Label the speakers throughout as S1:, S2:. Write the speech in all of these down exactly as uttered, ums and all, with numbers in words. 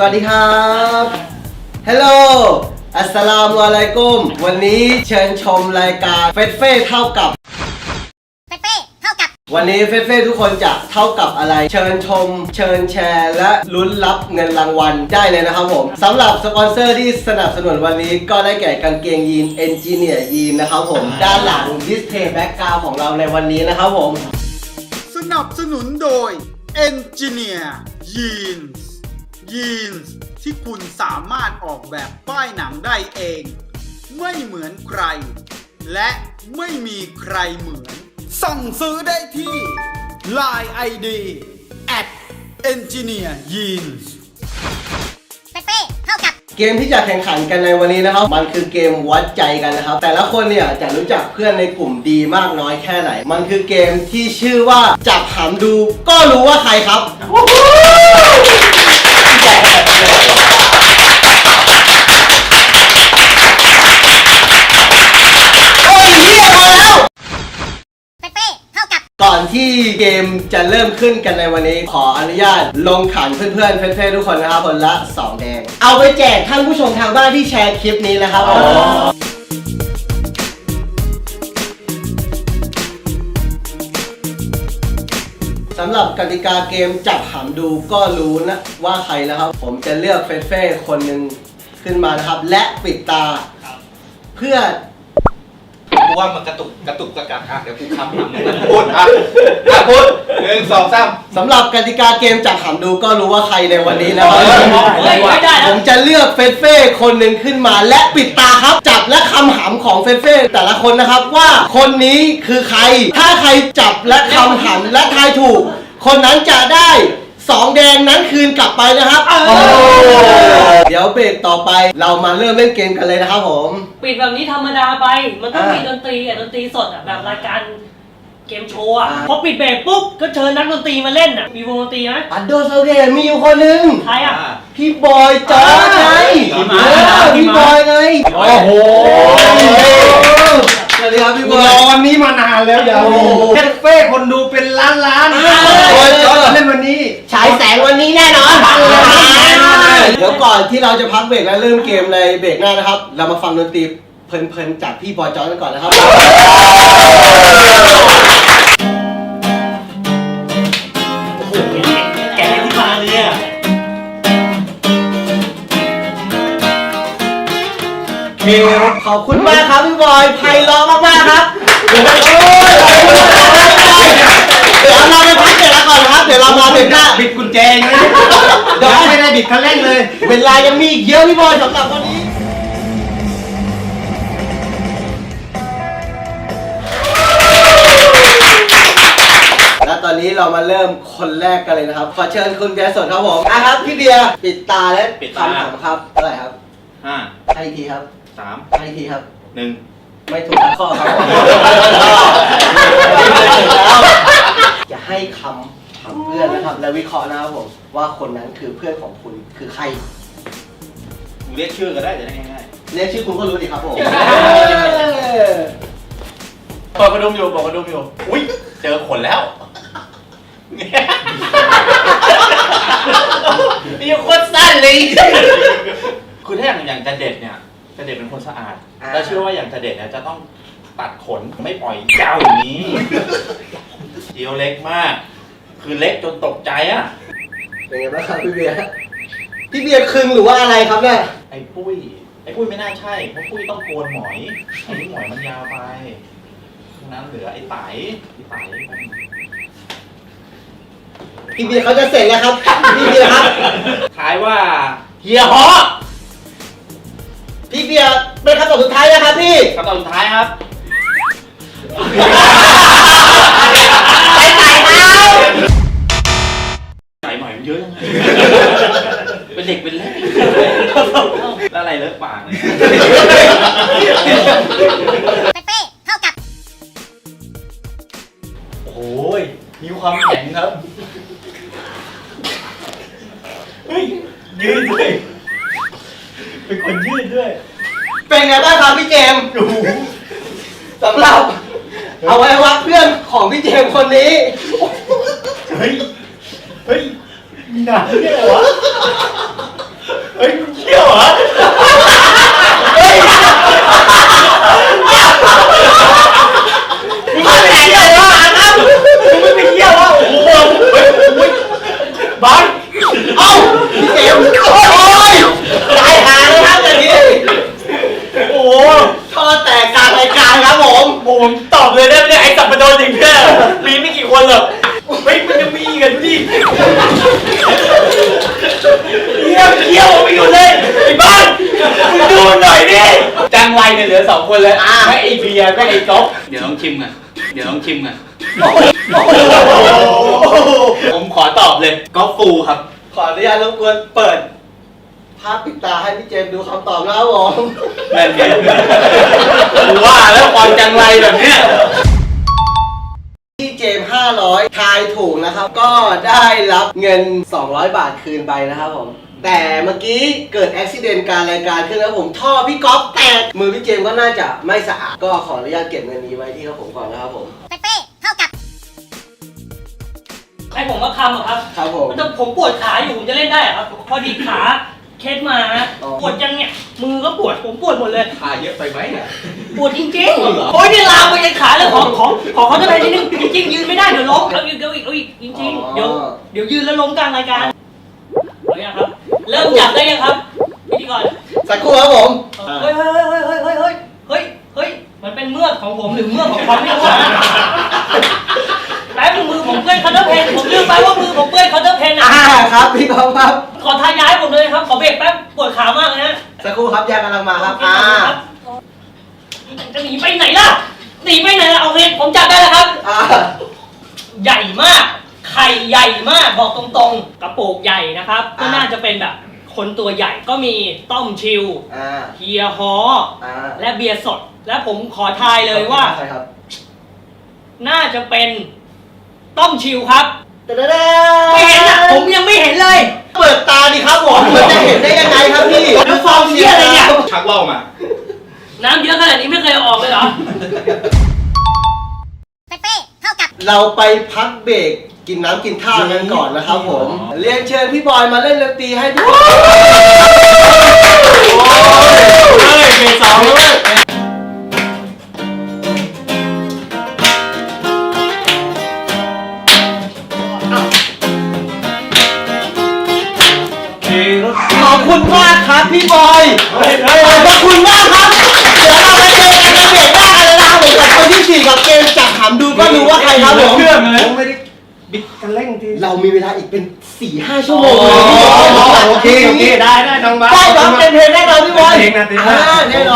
S1: วัสดีครับฮัลโหลอัสสลามุอะลัยกุมวันนี้เชิญชมรายการเฟสเฟ่เท่ากับ
S2: เฟสเฟ่เท่ากับ
S1: วันนี้เฟสเฟ่ทุกคนจะเท่ากับอะไรเชิญชมเชิญแชร์และลุ้นรับเงินรางวัลได้เลยนะครับผมสำหรับสปอนเซอร์ที่สนับสนุนวันนี้ก็ได้แก่กางเกงยีนเอนจิเนียร์ยีนนะครับผมด้านหลังดิสเพย์แบ็กกราวด์ของเราในวันนี้นะครับผม
S3: สนับสนุนโดย Engineer Jeans Jeans ที่คุณสามารถออกแบบป้ายหนังได้เองไม่เหมือนใครและไม่มีใครเหมือนสั่งซื้อได้ที่ ไลน์ ไอ ดี แอท เอนจิเนียร์ยีนส์
S2: เฟสเฟ่เท่ากับ
S1: เกมที่จะแข่งขันกันในวันนี้นะครับมันคือเกมวัดใจกันนะครับแต่ละคนเนี่ยจะรู้จักเพื่อนในกลุ่มดีมากน้อยแค่ไหนมันคือเกมที่ชื่อว่าจับหำดูก็รู้ว่าใครครับก่อนที่เกมจะเริ่มขึ้นกันในวันนี้ขออนุญาตลงขันเพื่อนๆเพื่อนๆทุกคนนะครับคนละสองแดงเอาไปแจกท่านผู้ชมทางบ้านที่แชร์คลิปนี้นะครับสำหรับกติกาเกมจับหำดูก็รู้นะว่าใครนะครับผมจะเลือกเฟสเฟ่คนหนึ่งขึ้นมานะครับและปิดตาเพื่อ
S4: กูว่ามันกระตุกกระตุกกระกักอ่ะเดี๋ยวกูคำหำมึงพูดอ่ะอ่ะพูดหนึ่งสองสาม
S1: สำหรับกติกาเกมจับหำดูก็รู้ว่าใครในวันนี้นะครับผมจะเลือกเฟสเฟ่คนหนึ่งขึ้นมาและปิดตาครับจับและคำหำของเฟสเฟ่แต่ละคนนะครับว่าคนนี้คือใครถ้าใครจับและคำหำและทายถูกคนนั้นจะได้สองแดงนั้นคืนกลับไปนะครับเดี๋ยวเบรกต่อไปเรามาเริ่มเล่นเกมกันเลยนะครับผม
S5: ปิดแบบนี้ธรรมดาไปมันต้องมีดนตรีอ่ะดนตรีสดอ่ะแบบรายการเกมโชว์อ่ะพอปิดเบรกปุ๊บก็เชิญนักดนตรีมาเล่นอ่ะมีวงดนตรีไหม
S1: อันโดโซเดมีอยู่คนหนึ่ง
S5: ใครอ่ะ
S1: พี่บอยจอร์จไงพี่บอยไงโอ้โหสวัสดีครับพี่บอย
S4: รอวันนี้มานานแล้วเดี๋ยวเฟสเฟ่คนดูเป็นล้านล้านบอยจอร์จเล่นวันนี้
S1: ฉายแสงวันนี้แน่นอนเดี๋ยวก่อนที่เราจะพักเบรกและเริ่มเกมในเบรกหน้านะครับเรามาฟังดนตรีเพลินๆจากพี่บอยจอร์จกันก่อนนะครับ
S5: โอ้โหแกที่มาเนี่ย
S1: เคขอบคุณมากครับพี่บอยไพเราะมากๆครับเดี๋ยวเราไปพักเบรกแล้วก่อนครับเดี๋ยวเรามาเบรกหน้า
S4: บิดกุญแจนะเดี๋ยวไม่ได้บิดคันเร่งเลย
S1: เวลายังมีอีกเยอะพี่บอยสำหรับวันนี้และตอนนี้เรามาเริ่มคนแรกกันเลยนะครับขอเชิญคุณเบียร์สดครับผมอ่ะครับพี่เบียร์ปิดตาและคำถามครับเท่าไหร่ครับ
S4: ห้า
S1: ให้ทีครับ
S4: สาม
S1: ให้ทีครับ
S4: หนึ่ง
S1: ไม่ถูกข้อครับจะให้คำถามเพื่อนนะครับและวิเคราะห์นะครับผมว่าคนนั้นคือเพื่อนของคุณคือใคร
S4: เรียกชื่อก็ได้จะได้ง่าย
S1: ๆเรียกชื่อคุณก็รู้ดิครับผม
S4: เปิดกระดุมอยู่เปิดกระดุมอยู่อุ้ยเจอขนแล้วนี่โคตรสั้นเลยคือถ้าอย่างอย่างจะเด็ดเนี่ยจะเด็ดเป็นคนสะอาดแล้วเชื่อว่าอย่างจะเด็ดเนี่ยจะต้องตัดขนไม่ปล่อยยาวอย่างนี้เดียวเล็กมากคือเล็กจนตกใจอ่ะ
S1: เป็นไงบ้างครับพี่เบียร์พี่เบียร์คึงหรือว่าอะไรครับเนี่ย
S4: ไอ้ปุ้ยไอ้ปุ้ยไม่น่าใช่เพราะปุ้ยต้องโกนหมอยไอ้หมอยมันยาวไปนั้นเหลือไอ้ไตไอ้ไต
S1: พี่เบียร์เขาจะเสร็จแล้วครับพี่เบียร์ครับ
S4: ทายว่าเฮียฮอ
S1: พี่เบียร์เป็นคำตอบสุดท้ายนะครับพี่
S4: คำตอบสุดท้ายครับ
S1: ไอ้ไก่เท้า
S4: ไก่ใหม่มันเยอะยังไงเป็นเด็กเป็นเล็กแล้วอะไรเลิกปากเลยโอ้ยมีความแข็งครับเฮ้ยยืดด้วยเป็นคนยืดด้วย
S1: เป็นไงบ้างครับพี่เจมส์สำหรับเอาไว้วัดเพื่อนของพี่เจมส์คนนี้
S4: เฮ้ยเฮ้ยมีหนาเนี่ยเหรอวะฮ้ยเที่ยวเหรอเฮ้ยมึงไม่ไปเที่ยววะครับมึงไม่ไปเที่ยววะโอ้โหเฮ้ยบอลเอ้าพี่เจมส์โอ้ยตายหาเลยครับอย่างนี้โอ้โห
S1: ท่อแตกกลางรายการครับผม
S4: ผมตอบเลยได้ไหมเนี่ยไอ้สัปปะรดจริงแค่มีไม่กี่คนหรอกเฮ้ยมันจะมีกันดิเที่ยวเที่ยวไปอยู่เลยไอ้บ้านมึงดูหน่อยดิจังไรเนี่ยเหลือสองคนเลยไม่ไอ้เบียร์ไม่ไอ้ก๊อฟเดี๋ยวต้องชิมกันเดี๋ยวต้องชิมกันผมขอตอบเลยก๊อฟฟูครับ
S1: ขออนุญาตรบกวนเปิดภาพปิดตาให้พี่เจมส์ดูคำตอบนะครับผม
S4: นั่นไงกูว่าแล้วความจังไรแบบเนี้ย
S1: พี่เจมส์ห้าร้อยทายถูกนะครับ ก็ได้รับเงินสองร้อยบาทคืนไปนะครับผม แต่เมื่อกี้เกิดอุบิเหตุการรายการขึ้นแล้วผมท่อพี่ก๊อฟแตกมือพี่เจมส์ก็น่าจะไม่สะอาดก็ขออนุญาตเก็บเงินนี้ไว้ที่ครับผมก่อนนะครับผม
S2: เปเป้เท่ากับ
S5: ให้ผมมาคำเหรอครับ
S1: ครับผม
S5: แต่ผมปวดขาอยู่ผมจะเล่นได้เหรอครับ พอดีขาเคสมาฮะ
S1: อ๋อ
S5: ปวดยังเนี่ยมือก็ปวดผมปวดหมดเลย
S4: ขาเยอะไปไหมเนี่ย
S5: ปวดจริงๆโอ้ยนี่ลามไปยันขาเลยขอขอขอเขาจะไปนิดนึงจริงๆยืนไม่ได้เดี๋ยวล้มเอาอีกเอาอีกเอาอีกจริงๆเดี๋ยวเดี๋ยวยืนแล้วล้มกลางรายการเอาอย่างครับ เริ่มจับได้ยังครับพิธีกร
S1: สักครู่ครับผม
S5: เฮ้ยเฮ้ยเฮ้ยเฮ้ยเฮ้ยเฮ้ยเฮ้ยเฮ้ยมันเป็นเมือกของผมหรือเมือกของเขาไม่รู้แป๊บนึงมือผมเปื้อนคัตเตอร์เพนผมลืมไปว่ามือผมเปื้อนคัตเตอร์เพนอ่ะ
S1: อ่าครับพี่ก๊อฟครับ
S5: ขอทาย้ายผมเลยครับขอเบรกแป๊บปวดขามากเลยนะ
S1: สักครู่ครับยากำลังมาครับอ่า
S5: จะหนีไปไหนล่ะหนีไปไหนล่ะเอาเงินผมจับได้แล้วครับ
S1: อ่า
S5: ใหญ่มากไข่ใหญ่มากบอกตรงๆกระปุกใหญ่นะครับก็น่าจะเป็นแบบคนตัวใหญ่ก็มีต้มชิว
S1: อ่า
S5: เฮียฮอ
S1: อ่า
S5: และเบียร์สด และผมขอทายเลยว่า
S1: ใช่ครับ
S5: น่าจะเป็นต้มชิวครับ
S1: ตะเด้
S5: ไม่เห็นอ่ะผมยังไม่เห็นเลย
S1: เปิดตาดิครับผมมันจะเห็นได้ยังไงครับพี่
S5: แล้วฟองเหี้ยอะไรเนี่ย
S4: ชักว่าวมา
S5: น้ำเยอะขนาดนี้ไม่เคยเอาออกเลยเหรอ
S2: เปเป้เท่ากับ
S1: เราไปพักเบรกกินน้ำกินท่ากันก่อนนะครับผม เรียนเชิญพี่บอยมาเล่นดนตรีให้พี่
S4: เฮ้ยเกสองเลย
S1: ขอบคุณมากครับพี่บอยขอบคุณมากครับ เดี๋ยวเราไปเจอกันในเบรกหน้ากันเลยนะครับผมกับคนที่สี่กับเกมจับถามดูก็รู้ว่าใครครับผม
S4: เพื่อนเลย
S1: ผมไม่ได้
S4: บิดกันเร่งที
S1: เรามีเวลาอีกเป็นสี่ห้าชั่วโมง
S4: โอเคโอเคได้ได้น้องบ้า
S1: ได้ครับเป็นเพลงแน่นอนพี่บอย
S4: เพลงนะเพลงนะ
S1: อ่าแน่นอน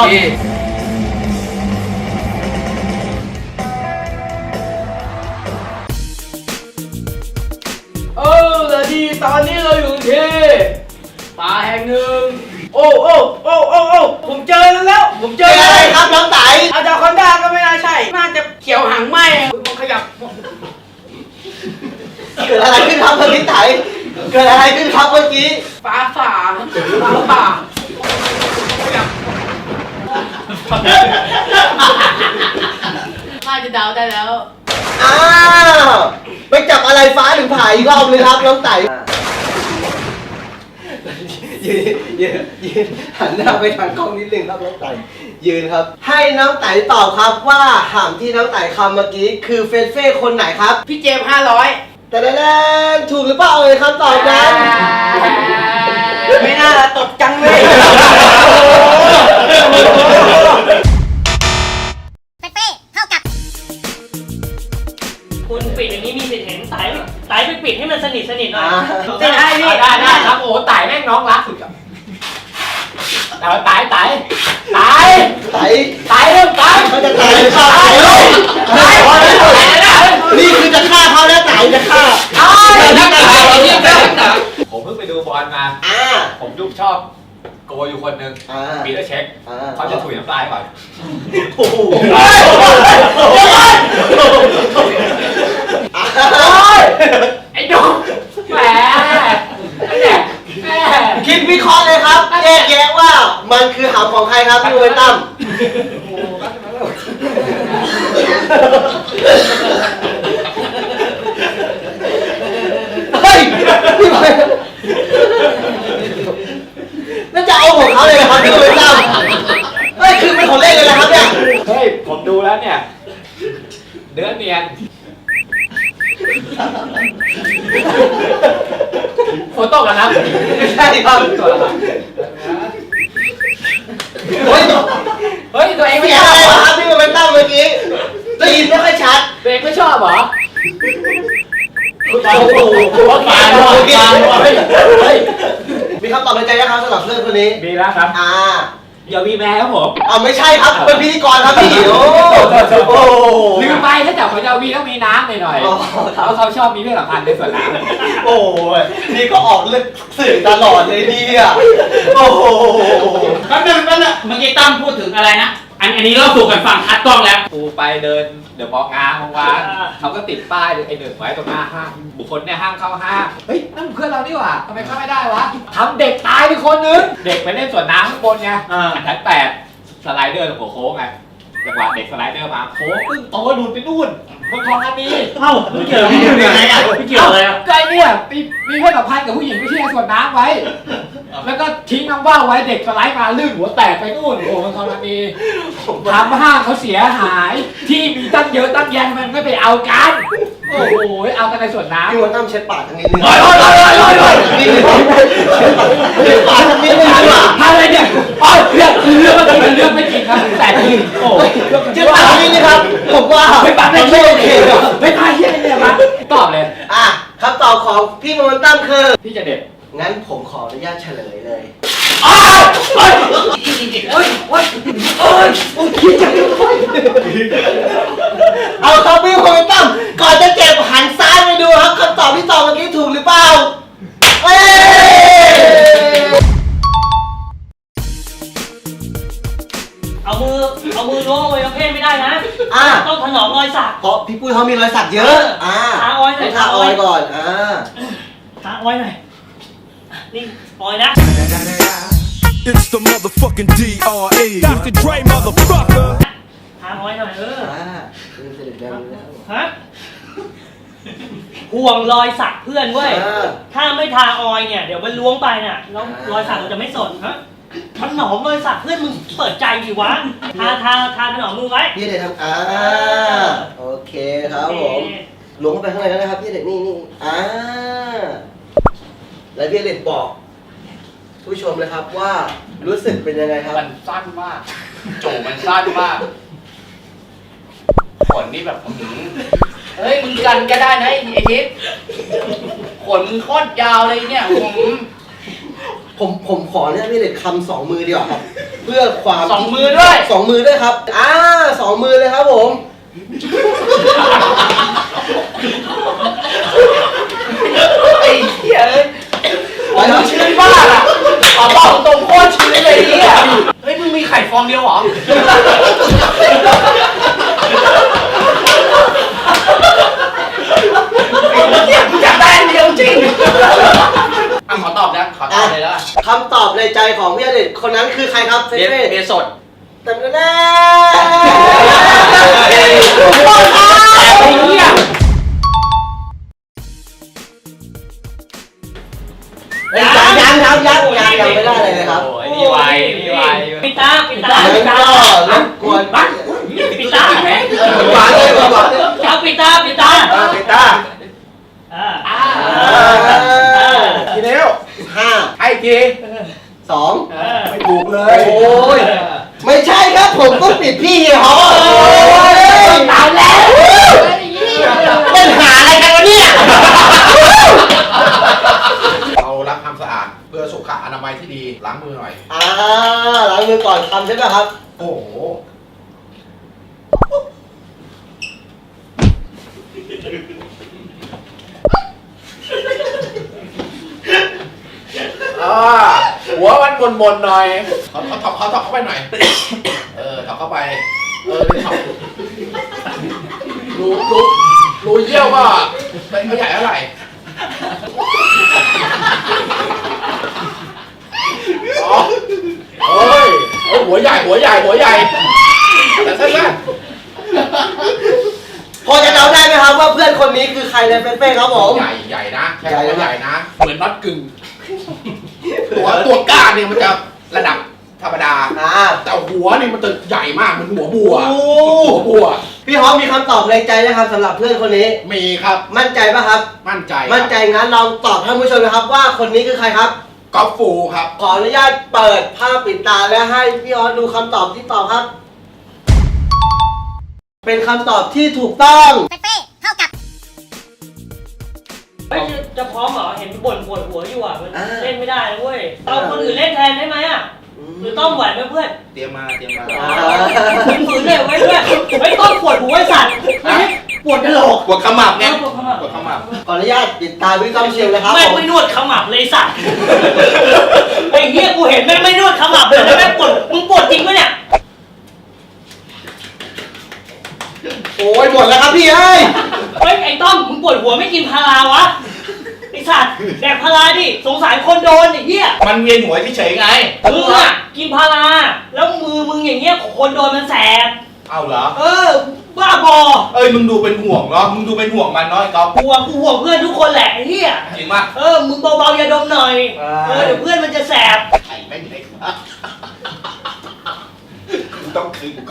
S6: เออแต่ดีตอนนี้เราอยู่ที่ป่าแห่งหนึ่งโอ้โอ้โอ้โอ้โอ้ผมเจอแล้วแล้ว ผมเจ
S1: เจ
S6: อ
S1: อ
S6: แล้ว
S1: อะไรครับน้องไต
S6: อาจารย์คอนด้าก็ไม่น่าใช่ น่าจะเขียวหางไหมมันขยับ
S1: เกิดอะไรขึ้นครับเมื่อกี้ไตเกิดอะไรขึ้นครับเมื่อกี้
S6: ฟ้าฝ่าฟ้าฝ่าขยับ
S7: น่าจะเดาได้แล้ว
S1: อ้าวไปจับอะไรฟ้าถึงผ่าอีกรอบเลยครับน้องไตยืนยืนยืนหันหน้าไปทางกล้องนิดนึงครับน้องไต่ยืนครับ ให้น้องไต่ตอบครับว่าหามที่น้องไต่คำเมื่อกี้คือเฟนเฟ่คนไหนครับ
S6: พี่เจมห้าร้อย
S1: แต่แน่ๆถูกหรือเปล่าเอ่ยคำตอบนั้น
S6: ไม่น่าตกจังเลย
S2: เปเป้เท่ากับ
S5: คุณปิดอย่างนี้มีสิทธิ์เห็นไตไตไปปิดให้มันสนิทสนิทหน่อย
S6: ได้ได้พี่ได้ได้ครับโอ้ตายแม่งน้องรักสุดอ่ะเอาตายตายตาย
S1: ไต่
S6: ตายเริ่มตาย
S1: เขาจะตายหรือเปล่าไต่เอ้ยนี่คือจะฆ่าเขาแล้วไต่จะฆ่า
S6: นักตายนี่แม่งหนัก
S8: ผมเพิ่งไปดูบอลมา
S1: อ่า
S8: ผมยุบชอบโกอยู่คนหนึ่ง
S1: อ่า
S8: ปีเตอร์เช็ค
S1: อ่า
S8: เขาจะถุยน้ำลายก่อน
S1: โอ้โหอ่า
S6: ไอ้ดุแหมไอ้เนี่ยแหม
S1: คิดวิเคราะห์เลยครับแยกแยะว่ามันคือหามของใครครับพี่โอเวนตั้มเฮ้ยพี่บอย
S8: ผมดูแล้วเนี่ยเนื้อเนียนโฟโต้กันนะ
S1: ไม่ใช่ครับ
S8: เฮ้ยเฮ้ยตัวเองไม่
S1: เสีย
S8: ช
S1: ง
S8: อบ
S1: อะไร
S8: เหรอ
S1: ครับที่มันเป็นตั้งเมื่อกี้ได้ยินไม่ค่อยชัด
S8: ตัวเองไม่ชอบเหรอ
S1: โอ้โห
S8: ฟานฟานฟานเฮ้ยเฮ้ย
S1: มีคำตอบในใจนะครับสำหรับเพื่อนคนนี้
S8: มีแล้วครับ
S1: อ่า
S8: อย่ามีแม่ครับผม
S1: เอาไม่ใช่ครับเป็นพิธีกรครับพี่โอ้โห
S8: ลืมไปถ้าจับของเจ้าวีต้องมีน้ำหน่อยๆ
S1: อ๋อ
S8: เขาเขาชอบมีเพศสัมพันธ์ในส่วนน้ำ
S1: โอ้ยนี่ก็ออกเรื่องสื่อตลอดเลยเนี่ยโอ้โห
S5: แป๊บนึงแป๊บนึงเมื่อกี้ตั้มพูดถึงอะไรนะ อันอันนี้เราสู่กันฟังคัดกล้องแล้ว
S8: กูไปเดินเดี๋ยวบอกงานวาน
S5: อ่า
S8: เขาก็ติดป้ายไอ้หนึ่งไว้ตรงหน้าห้างบุคคลเนี่ยห้ามเข้าห้างเฮ้ยนั่นเพื่อนเรานี่หว่าทำไมเข้าไม่ได้วะทำเด็กตายไปคนนึงเด็กไปเล่นสวนน้ำข้างบนไง
S5: อ่า
S8: ชั้นแปดสไลเดอร์หัวโค้งไงจังหวะเด็กสไลเดอร์มาโค้งปึ้งโตหลุดไปนู่นคนทองอันนี้
S5: เอ้าไม่เกี่ยวไม่เกี่ยวยังไงอ่ะไม่เกี่ยวเลยอ่ะ
S8: ก็ไอ้เนี่ยมีมีเพศสัมพันธ์กับผู้หญิงไม่ใช่ในสวนน้ำไว้ แล้วก็ทิ้งน้ำว่าวไว้เด็กสไลด์มาลื่นหัวแตกไปนู่นโอ้มันทรมานทำห้างเขาเสียหาย ที่มีตั้งเยอะตั้งแยะมันไม่ไปเอากันโอ้โหเอากันในสวนน้ำ
S1: พี่วันตั้มเช็ดปากทางนี้นึง
S8: โอ้ยโอ้ยโอ้ยโอ้ยโอ้ย
S1: เช็ดปากทางนี้นึงดีกว่า
S8: อะไรเนี่ยโอ้ยเรื่องเรื่องเมื่อกี้มันเรื่องไม่จริงครับแต่จริงโอ้ย
S1: เช็ดปากทางนี้นะครับผมว่า
S8: ไม่ปังไม่
S1: ไม่
S8: โอ
S1: โอ
S8: เค
S1: เคครับ
S8: ไม่พาเชี่ยเนี่ยมาตอบเลย
S1: อ่ะคำตอบของพี่วันตั้มคือ
S8: พี่จะเด็ด
S1: งั้นผมขออนุญาตเฉลยเลย
S8: อ้าวเฮ้ยโอ้ยโอ้ยโอ้ยโอ้ยคิดจังเลย
S1: เอาครับพี่วันตั้มก่อนจะเจ็บหันซ้ายไปดูครับคำตอบที่ตอบเมื่อกี้ถูกหรือเปล่าเอ้ย
S5: เอามือเอามือล้วงอวัยวะเพศไม่ได้นะ
S1: อ่ะ
S5: ต้องถนอมรอยสัก
S1: เพราะพี่ปุ้ยเขามีรอยสักเยอะ อ่า
S5: ทาออยล์หน่อย
S1: ทาออยล์ก่อน อ่า
S5: ทาออยล์หน่อยนี่ออยล์นะ
S7: It's the motherfucking ดี อาร์ เอ Doctor Dre motherfucker
S5: ทาออยล์หน่อยเออ
S1: อ่าเป็นเสด็จแดงเลยนะครับ
S5: ฮะห่วงรอยสักเพื่อนเว้ย
S1: อ่า
S5: ถ้าไม่ทาออยล์เนี่ยเดี๋ยวมันล้วงไปน่ะแล้วรอยสักเราจะไม่สดฮะถนอมรอยสักเพื่อนมึงเปิดใจดิวะทาทาทาถนอมมือไว้
S1: พี่เด็กทำอ่า โอเคครับผม หลวงเข้าไปข้างในแล้วนะครับพี่เด็กนี่นี่อ่า แล้วพี่เด็กบอก ผู้ชมเลยครับว่ารู้สึกเป็นยังไงครับ
S4: มันสั้นมากจูบมันสั้นมากขนนี่แบบอื้อหือเฮ้ยมึงกันก็ได้นะไอ้ไอ้ทิศขนมึงโคตรยาวเลยเนี่ยผม
S1: ผมผมขอเนี่ยพี่เด็กคำสองมือดีกว่าครับ เพื่อความ
S4: สองมือด้วย
S1: สองมือด้วยครับ อ่าสองมือเลยครับผม
S4: ไอ้เหี้ยเอ้ยผมมันชื้นมากอ่ะขอบอกตรงโคตรชื้นเลยไอ้เนี่ยเฮ้ยมึงมีไข่ฟองเดียวเหรอไอ้เหี้ยกูอยากได้อันเดียวจริงอ่ะขอตอบนะขอตอบเลยแล้วกัน
S1: คำตอบในใจของพี่เด็กคนนั้นคือใครครับเฟ
S4: เบีย
S1: เฟ่
S4: ร์เบียร์สด
S1: แต่แน่
S4: ไอ้เหี้ย
S1: ยังยังยังยังยังยังไม่ได้เลยนะครับ
S8: โอ้ยนี่ไวนี่ไว
S5: ปิดตาปิดตา
S1: งั้
S5: ปิ
S1: น
S5: ดตา
S1: ก็รบกวนบ้าน
S5: ปิดตา
S1: หวานเลยหวานเลย
S5: เอาปิดตาปิดตา
S1: อ่าปิดตา
S5: อ่า
S8: อ่า
S1: ทีเดียวห้า
S8: ไอ้ที
S1: สอง
S5: เออ
S1: ไม่ถูกเลย โอ้ย ไม่ใช่ครับผมต้องปิดพี่เหี่ยวตายแล้วเป็นหาอะไรกันวะเนี่ย
S9: เรารักความสะอาดเพื่อสุขอนามัยที่ดีล้างมือหน่อย
S1: อ่าล้างมือก่อนทำใช่ไหมครับ
S9: โอ้โหอ่าหัวมันมนๆหน่อยเขาเขาถอกเขาถอกเข้าไปหน่อย เออถอกเข้าไป เออเลยถอกรูรูรูเยี่ยวก็เป็นเขาใหญ่เท่าไหร่อ๋อโอ้ยโอ้ยหัวใหญ่หัวใหญ่หัวใหญ่แต่สั้น
S1: พอจะเดาได้ไหมครับว่าเพื่อนคนนี้คือใครในเฟซเฟ่ครับผม
S9: ใหญ่ใหญ่นะใช่
S1: ใหญ่
S9: คำว่า
S1: นะ
S9: ใหญ่นะ เหมือนน็อตกึ่งตัวตัวก้านเนี่ยมันจะระดับธรรมดา
S1: อ่า
S9: แต่หัวนี่มันจะใหญ่มากเหมันหัวบัว
S1: โอ้
S9: หัวบัว
S1: พี่ฮอปมีคำตอบในใจนะครับสำหรับเพื่อนคนนี้
S9: มีครับ
S1: มั่นใจปะครับ
S9: มั่นใจครับ
S1: มั่นใจงั้นลองตอบท่านผู้ชมนะครับว่าคนนี้คือใครครับ
S9: กอล์ฟฟูครับ
S1: ขออนุญาตเปิดภาพปิดตาและให้พี่ฮอปดูคำตอบที่ตอบครับ เป็นคำตอบที่ถูกต้อง
S2: เปเป้เท่ากับ
S5: เฮ้ยจะพร้อมเหรอ เห็นบ่นปวดหัวอยู่อ่ะ มัน
S1: อ่า
S5: เล่นไม่ได้นะเว้ย เอาคนอื่นเล่นแทนได้ไหมอ่ะ หรือต้องไหวไหมเพื่อน
S4: เตรียมมาเตรียมมา
S5: ฝืนๆเลยไว้เพื่อนไอ้ต้องปวดหัวไอ้สัตว์ไม่ใช่ปวดกระโหลก
S4: ปวดขมับไง
S5: เออปวดขมับ
S4: ปวดขมับ
S1: ขออนุญาตปิดตาพี่ก้องเชียงเลยครับ
S5: ไม่
S1: ผม
S5: ไม่นวดขมับเลยสัตว์ไอ้เหี้ยกูเห็นแม่งไม่นวดขมับเลยแล้วแม่งปวดมึงปวดจริงปะเนี่ย
S1: โอ้ยหมดแล้วครับพี่เอ้ย
S5: เฮ้ยไอ้ต้อมมึงปวดหัวไม่กินพาราวะไอ้สัตว์แดกพาราดิสงสารคนโดนไอ้เหี้ย
S4: มันเวียนหัวเฉยๆไง
S5: มึงอะกินพาราแล้วมือมึงอย่างเงี้ยคนโดนมันแสบ
S4: เอาเหรอ
S5: เออบ้าบอ
S4: เอ้ยมึงดูเป็นห่วงเนาะ มึงดูเป็นห่วงมันเนาะไอ้ก๊อฟ
S5: ห่วงกูห่วงเพื่อนทุกคนแหละไอ้เหี้ย
S4: จริงป่ะ
S5: เออมึงเบาๆอย่าดมหน่อยเออเดี๋ยวเพื่อนมันจะแสบ
S4: ไข่แม่งเล็กมากกูต้องคืนกูก็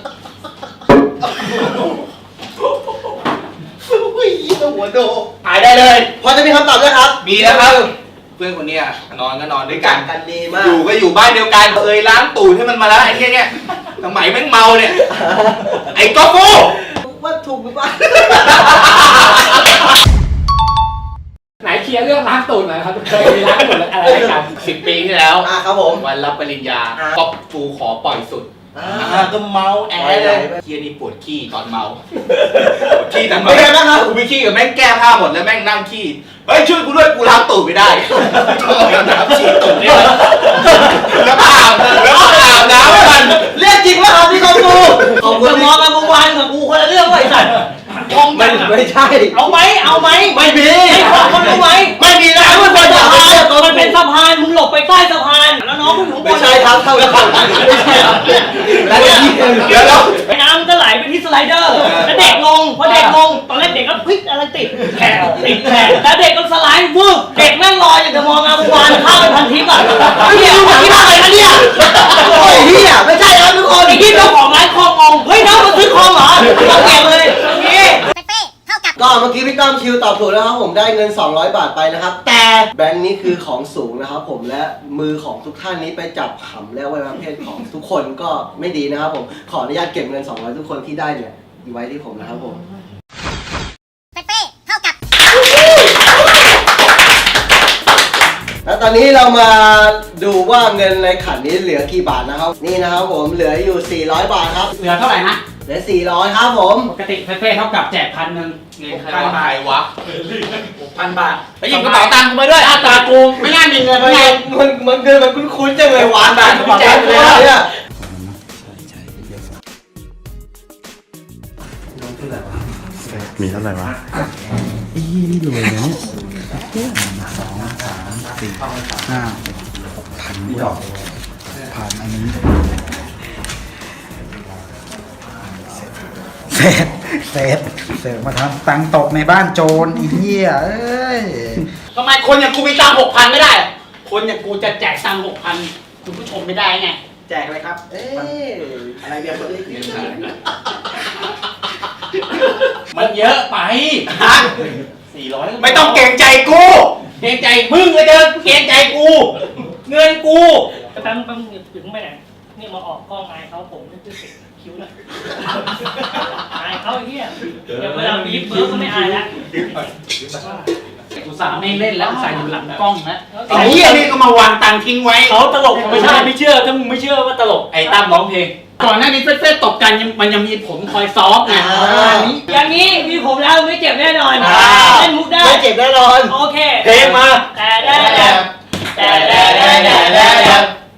S4: อุ้ยหัวโดหายได้เลย
S1: พอจะมีคำตอบด้วยครับ
S4: มีแล้วครับ เพื่อนคนเนี้ยนอนก็นอนด้วยกัน
S1: กันดีมาก
S4: อยู่ก็อยู่บ้านเดียวกันเอ่ยล้างตูดให้มันมาแล้วไอ้เนี้ยเนี่ยสมัยแม่งเมาเนี่ย ไอ้ก๊อฟฟู
S1: ว่าถูกหรือเปล่า
S8: ไหนเคลียร์เรื่องล้างตูดหน่อยครับเคยมีล้างตูดอะไรกัน
S4: สิบปีที่แล้ว
S1: อ่าครับผม
S4: วันรับปริญญา
S1: อ่า
S4: ก๊อฟฟูขอปล่อยสุด
S1: อ่า
S4: อ่าก็เมาแอ
S1: ไม่
S4: ร์
S1: ได้
S4: เลยเฮียนี่ปวดขี้ตอนเมาปวดขี้ตอนเมา
S1: เป็นไงบ้างครับ
S4: กูไปขี้กับแม่งแก้ผ้าหมดแล้วแม่งนั่งขี้เฮ้ยช่วยกูด้วยกูล้างตูดไม่ได้ต้องเอาน้ำฉีดตูดเนี่ยแล้วก็อาบแล้วก็อาบน้ำให้มัน
S1: เรียกจริงว่าครับพี่ก้องกูขอบคุณ
S5: จะมองกันเมื่อวานกับกูคนละเรื่องไว้สัตว์มอง
S1: ไม่
S5: กัน
S1: ไม่ใช่
S5: เอาไหมเอาไหม
S1: ไม่มี
S5: ไอ้ของคนรู้ไหม
S1: ไม่มีนะ
S5: มัน
S1: ไม่
S5: เป็น
S1: ใช่
S5: สะ
S1: ค
S5: พา
S1: รับ
S5: นมันเป็นสะพานมึงหลบไปใต้สะพานแล้วน้องมึงอยู่ข้างบ
S1: ไม่
S5: น
S1: ใช่ครับเท่ากับไม่ใช่ครับแล้วเนี่ย
S4: เดี๋ยวแล้ว
S5: ไอ้น้ำก็ไหลไปที่สไลเดอร์แล้วเด็กลงพอเด็กลงตอนแรกเด็กก็พลิกอะไรติดแขนติดแขนแล้วเด็กก็สไลด์วืบเด็กแม่งลอยอย่างจะมองงามวานข้ามไปพันทิพย์อ่ะไอ้เหี้ยมึงคิดว่าอะไรนะเนี่ย
S1: โอ้ยเฮียไม่ใช่ครับทุกคน
S5: ไอ้ที่เจ้าของร้านคองงงเฮ้ยน้องมาซื้อคองเหรอมาเก็บเลยนี่
S2: เปเป้เท่ากับ
S1: ก็เมื่อกี้พี่ก้องคิวตอบถูกแล้วครับผมได้เงินสองร้อยบาทไปนะครับ แต่แบงค์นี้คือของสูงนะครับผมและมือของทุกท่านนี้ไปจับหำและอวัยวะเพศของทุกคนก็ไม่ดีนะครับผมขออนุญาตเก็บเงินสองร้อยทุกคนที่ได้เนี่ยไว้ที่ผมนะครับผม
S2: เปเป้เท่ากับ
S1: แล้วตอนนี้เรามาดูว่าเงินในขันนี้เหลือกี่บาทนะครับนี่นะครับผมเหลืออยู่สี่ร้อยบาทครับ
S8: เหลือเท่าไหร่นะ
S1: เหลือสี่ร้อยครับผม
S8: ปกติเฟ่ๆเท่ากับแจกพันหนึ่ง
S4: เงินใครวะใครวะ
S8: พันบาท
S4: ไปหยิบกระเป๋าตังค์กูมาด้วย
S8: หน้าตากูไม่น่ามีเงิน
S1: มัน
S8: ไง
S1: มันมันเกินมันคุ้นๆจังเลยหวานบาทแจกเลยเนี่ย
S10: มีเท่าไหร่วะอีนี่รวยนะเนี่ยสองสามสี่ห้าหกพันดอกผ่านอันนี้เสร็จเสร็จเสร็จมาทำตังค์ตกในบ้านโจรอีเหี้ยเอ้ย
S8: ทำไมคนอย่างกูมีตังหกพันไม่ได้ คนอย่างกูจะแจกตังหกพันคุณผู้ชมไม่ได้ไง
S1: แจกเลยครับ เอ๊ะอะไรเบียร์คนนี้
S8: มันเยอะไป
S4: สี่ร้อย
S8: ไม่ต้องเกรงใจกู เกรงใจมึงเลยเดินเกรงใจกู เงินกู
S5: แป๊บแป๊บถึงไปไหนนี่มาออกกล้องไงเขาผมนี่คือสิคิ้วหน่อยอายเขาไอ้เหี้ยเดี๋ยวเวลาบีบเบิร์กก็ไม่อายแล้ว
S8: กูสาไม่เล่นแล้วใส่อยู่หลังกล้องนะ
S5: ไอ้
S8: ไอ้
S5: เหี้
S8: เหี้
S5: ย
S8: ย
S5: นี่
S8: นี่ก็มาวางตังทิ้งไว้
S5: เขาตลกไม่ใช่ไม่เชื่อถ้ามึงไม่เชื่อว่าตลก
S8: ไอ้ตั้มร้องเพลง ก่อนหน้านี้เฟ้ๆตบกันยังมันยังมีผมคอยซ้อมไงอันนี้
S5: อย่างนี้มีผมแล้วไม่เจ็บแน่นอนเล่นมุกได้
S1: ไม่เจ็บแน่นอน
S5: โอเค
S1: เพลงมา
S5: แต่แต่แต่แต่แต่แต่แต่แต่แต่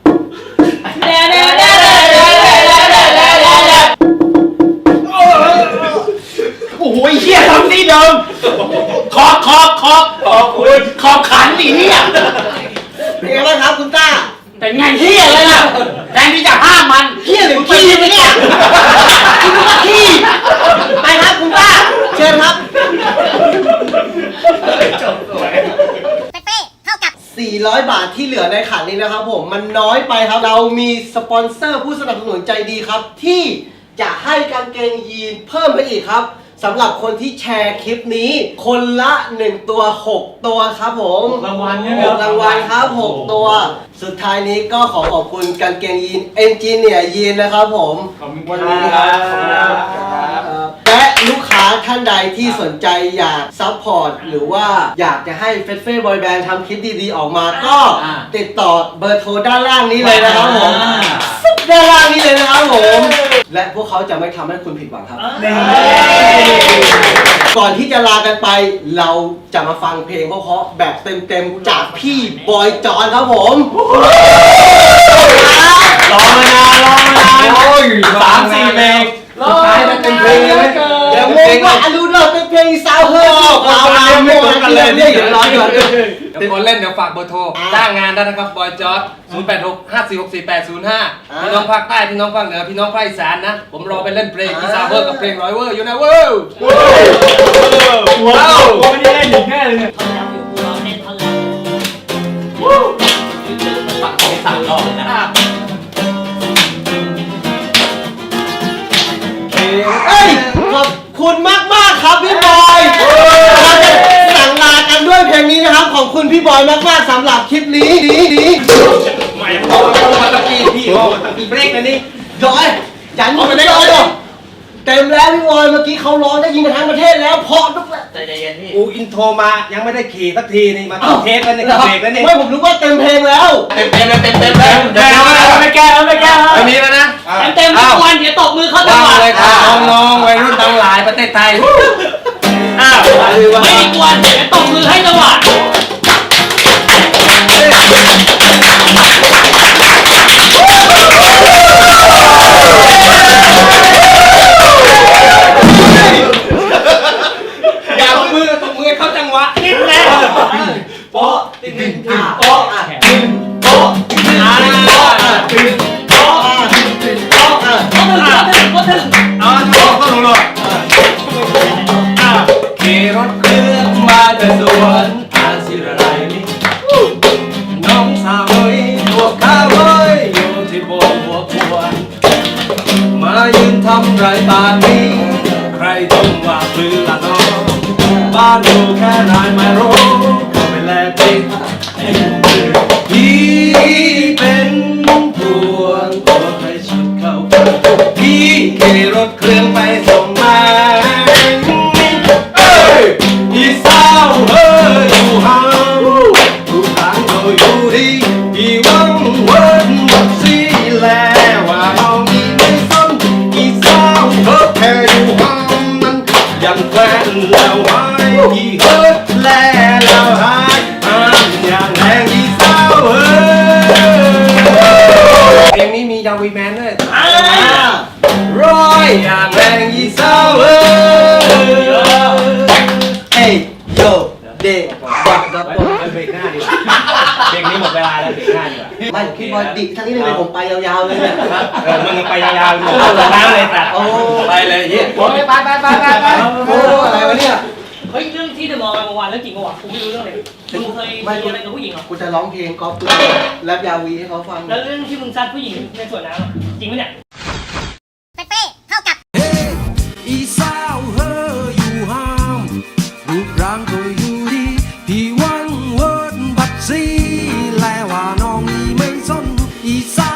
S8: โอ้โหเหี้ยทำที่เดิมขอบขอบขอบขอบคุณขอบขันดิเนี่ย
S1: เป็นไงบ้างครับคุณต้า
S8: เป็นไงเหี้ยเลยล่ะแทนที่จะห้ามมัน
S1: เฮียหรือขี้ไปเนี่ยคิดว่าขี้ไปครับคุณต้าเชิญครับ
S2: เปเป้เท่ากับ
S1: สี่ร้อยบาทที่เหลือในขันนี้นะครับผมมันน้อยไปครับเรามีสปอนเซอร์ผู้สนับสนุนใจดีครับที่จะให้กางเกงยีนเพิ่มไปอีกครับสำหรับคนที่แชร์คลิปนี้คนละหนึ่งตัวหกตัวครับผมรางวัลเนี่ยรางวัลครับหกตัวสุดท้ายนี้ก็ขอขอบคุณกางเกงยีนเอนจิเนียร์ยีนนะครับผมวันนี้ครับและลูกค้าท่านใดที่สนใจอยากซัพพอร์ตหรือว่าอยากจะให้เฟสเฟ่บอยแบนด์ทำคลิปดีๆออกมาก็ติดต่อเบอร์โทรด้านล่างนี้เลยนะครับผมด้านล่างนี้เลยนะครับผมและพวกเขาจะไม่ทำให้คุณผิดหวังครับก่อนที่จะลากันไปเราจะมาฟังเพลงเพราะๆแบบเต็มๆจากพี่บอยจอนครับผมรอมานานรอมานานโอ้ยสามสี่เพลงสุดท้ายมันเป็นเพลงเลยเดี๋ยวงงว่าอลูนเราเป็นเพลงซาวเฮิร์ตเราเล่นไม่ต้องกันเลยเนี่ยเดี๋ยวร้อนก่อน
S6: เดี๋ยวคนเล่นเดี๋ยวฝากเบอร์โทรจ้างงานได้นะครับบอยจอร์ดศูนย์ แปด หก ห้า สี่ หก สี่ แปด ศูนย์ ห้าพี่น้องภาคใต้พี่น้องภาคเหนือพี่น้องภาคอีสานนะผมรอไปเล่นเพลงอีสานเวอร์กับเพลงร้อยเวอร์อยู่นะเว้ยว้าวไม่ได้เล่นอีกแน่เลยเนี่ย
S5: ท่อนแล้วอยู่กูรอเล่นท่อนแล้ว
S4: ปักของสามรอบนะ
S1: เอ้ยขอบคุณมากมากๆครับพี่บอยเราจะสั่งลากันด้วยเพลงนี้นะครับขอบคุณพี่บอยมากมากๆสำหรับคลิปนี้นี้นี้
S6: ไม่พอมาตะกี้พี่พอมาตะกี้เบรกนะนี่
S1: จอยยันไม่ได้เลยเต็มแล้วพี่บอยเมื่อกี้เขาร้องได้ยินกันทั้งประเทศแล้วพอทุกแล้ว
S4: ใจเย็นพี่
S6: กูอินโทรมายังไม่ได้ขี่สักทีนี่มาเทสแล้วนี่เบรกแล้วนี่
S1: ไม่ผมรู้ว่าเต็มเพลงแล้ว
S9: เต็มเต็มเลยเต็มเต็มเลย
S6: แก้แล้วไม่แก้แล้วไม่แก้แล้ว
S9: ไม่มีแล้วนะ
S5: เต็มเต็มทุกวันเดี๋ยวตบมือเข้าจังหวะ
S6: เลยครับน้องๆวัยรุ่นทั้งหลายประเทศไทยอ้าว
S5: ไม่มีกวนเดี๋ยวตบมือให้จังหวะ
S6: อย่ามือตบมือเข้าจังหวะนิดแน่โป๊ะติดติดโป๊ะติดโป๊ะอ่าติดโป๊ะติดโป๊ะ
S5: ก็ถึงก็ถึงก็ถึง
S6: อ่าโป๊ะก็ลงเลยขี่รถเครื่องมาจากสวนอาศิรไรนี่น้องสาวเอ้ยตัวข้าเอ้ยอยู่ที่โบกหัวควรมายืนทำไรตานี้ใครต้องว่าปลื้มละน้องบ้านอยู่แค่ไหนไม่รู้ก็ไปแลติดพี่เป็นพวงตัวใครชุดเข้าพี่ขี่รถเครื่องไปส่งมาเอ้ยอีสาวเอ้ยอยู่ห่างทุกทางก็อยู่ดีพี่หวังวันหมดสิแล้วว่าน้องอีไม่สนอีสาวเธอแค่อยู่ห่างนั้นยังแฟนแล้วหายอีเฮิร์ตแล้วหายอ่านอย่างแรงอีสาวเอ้ยเพลงนี้มียาวีแมนด้วยร้อยอย่างแรงอีสาวเอ้ย
S1: เฮ้ยโยเด็กบักดับ
S6: เบรกหน้าดีกว่าเพลงนี้หมดเวลาแล้วเบรกหน้าดีกว่า
S1: ไม่พี่บอยดิทั้งนี้เลยผมไปยาวๆเลยเนี่ย
S6: เออมึงไปยาวๆหมดน้ำเลยแต่
S1: โอ้
S6: ไปเลยเฮีย
S8: ไปไปไปไปไปไป
S1: โหอะไรวะเนี่ย
S5: เฮ้ยเรื่องที่เดอะมอลล์ไปเมื่อวานเรื่องจริงปะวะกูไม่รู้เรื่องเลยมึงเคยมีอะไรกับผู้หญิงเหรอ
S1: กูจะร้องเพลงกอล์ฟแรปยาวีให้เขาฟัง
S5: แล้วเรื่องที่มึงซัดผู้หญิงในสวนน้ำอะจริงปะเนี่ย
S2: เปเป้เท่ากับ
S7: อีสาวเฮออยู่ห้ามรูปร่างก็อยู่ดีพี่หวังเวิร์ดบัดซีแลว่าน้องนี่ไม่สนอีสา